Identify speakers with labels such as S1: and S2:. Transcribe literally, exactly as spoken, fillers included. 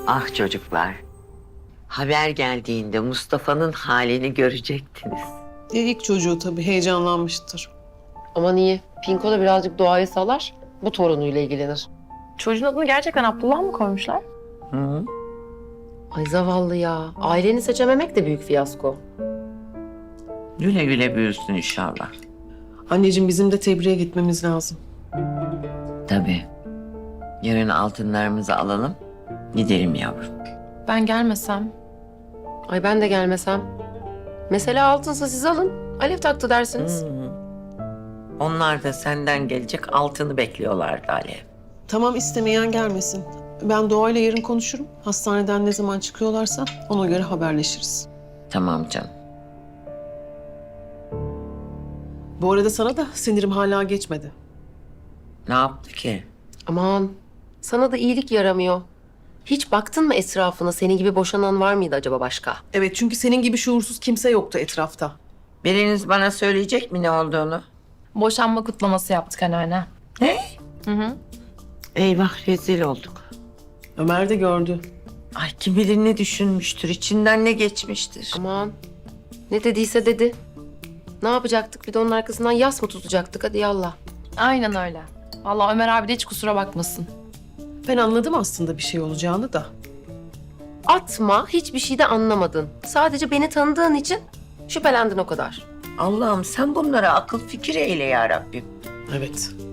S1: Ah çocuklar. Haber geldiğinde Mustafa'nın halini görecektiniz.
S2: E, ilk çocuğu tabii heyecanlanmıştır.
S3: Aman iyi. Pinko da birazcık doğayı salar. Bu torunuyla ilgilenir.
S4: Çocuğun adını gerçekten Abdullah mı koymuşlar?
S1: Hı?
S3: Ay zavallı ya. Aileni seçememek de büyük fiyasko.
S1: Güle güle büyüsün inşallah.
S2: Anneciğim bizim de tebriğe gitmemiz lazım.
S1: Tabii. Yarın altınlarımızı alalım. Gidelim yavrum.
S4: Ben gelmesem.
S3: Ay ben de gelmesem. Mesela altınsa siz alın. Alev taktı dersiniz.
S1: Hı. Onlar da senden gelecek altını bekliyorlardı Alev.
S2: Tamam istemeyen gelmesin. Ben Doğa'yla yarın konuşurum. Hastaneden ne zaman çıkıyorlarsa ona göre haberleşiriz.
S1: Tamam canım.
S2: Bu arada sana da sinirim hala geçmedi.
S1: Ne yaptı ki?
S3: Aman sana da iyilik yaramıyor. Hiç baktın mı etrafına? Senin gibi boşanan var mıydı acaba başka?
S2: Evet çünkü senin gibi şuursuz kimse yoktu etrafta.
S1: Biriniz bana söyleyecek mi ne olduğunu?
S4: Boşanma kutlaması yaptık anneanne.
S1: Ne?
S4: Hı hı.
S1: Eyvah rezil olduk.
S2: Ömer de gördü.
S1: Ay kim bilir ne düşünmüştür, içinden ne geçmiştir.
S3: Aman ne dediyse dedi. Ne yapacaktık? Bir de onun arkasından yas mı tutacaktık? Hadi yallah.
S4: Aynen öyle. Vallahi Ömer abi de hiç kusura bakmasın.
S2: Ben anladım aslında bir şey olacağını da.
S3: Atma, hiçbir şey de anlamadın. Sadece beni tanıdığın için şüphelendin o kadar.
S1: Allah'ım sen bunlara akıl fikir eyle ya Rabbim.
S2: Evet.